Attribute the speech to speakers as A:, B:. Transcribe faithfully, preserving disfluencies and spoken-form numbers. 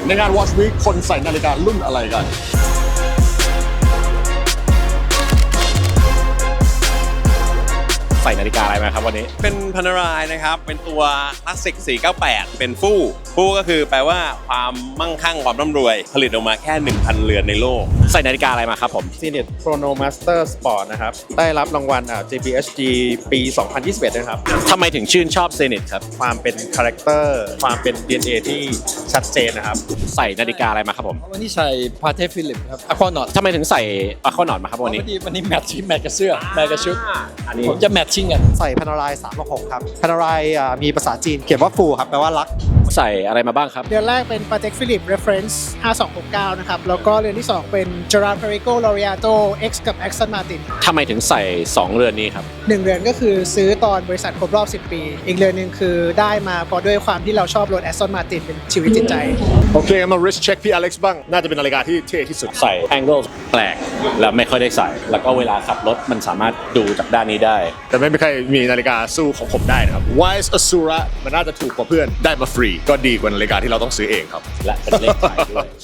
A: ในงาน Watch Week คนใส่นาฬิการุ่นอะไรกัน
B: ใส่นาฬิกาอะไรมาครับวันนี้
C: เป็นพันรายนะครับเป็นตัวคลาสสิกสี่เก้าแปดเป็นฟู่ฟู่ก็คือแปลว่าความมั่งคั่งความร่ำรวยผลิตออกมาแค่ หนึ่งพัน เรือนในโลก
B: ใส่นาฬิกาอะไรมาครับผม
D: Zenith Chronomaster Sport นะครับได้รับรางวัล จี พี เอช จี ปี สองพันยี่สิบเอ็ด นะครับ
B: ทำไมถึงชื่นชอบ Zenith ครับ
D: ความเป็นคาแรคเตอร์ความเป็น ดี เอ็น เอ ที่ชัดเจนนะครับ
B: ใส่นาฬิกาอะไรมาครับผม
E: วันนี้ใส่พาเทฟิลิปครับอะควานอต
B: ทำไมถึงใส่อะควานอตมาครับวันนี้
E: วันนี้วันนี้แมทชิ่งแมทกับเสื้อแมทกับชุดผมจะแมทชิ่งกัน
F: ใส่พานารายสามหกหกครับพานารายมีภาษาจีนเขียนว่าฟูครับแปลว่ารัก
B: ใส่อะไรมาบ้างครับ
G: เรือนแรกเป็น Patek Philippe Reference ห้าสองหกเก้านะครับแล้วก็เรือนที่สองเป็น Gerard Perico Laureato X กับ Aston Martin
B: ทำไมถึงใส่สองเรือนนี้ครับ
G: หนึ่งเรือนก็คือซื้อตอนบริษัทครบรอบสิบปีอีกเรือนหนึ่งคือได้มาเพราะด้วยความที่เราชอบรถ Aston Martin เป็นชีวิตจิตใจ
A: โอเคมา wrist check พี่อเล็กซ์บ้างน่าจะเป็นนาฬิกาที่เท่ที่สุด
B: ใส่ angle แปลกแล้วไม่ค่อยได้ใส่แล้วก็เวลาขับรถมันสามารถดูจากด้านนี้ได้
A: แต่ไม่มีใครมีนาฬิกาสู้ของผมได้นะครับ Wise Asura มันน่าจะถูกกว่าเพื่อนได้มาฟรีก็ดีกว่านาฬิกาที่เราต้องซื้อเองครับ
B: และเป็นเลขขายด้วย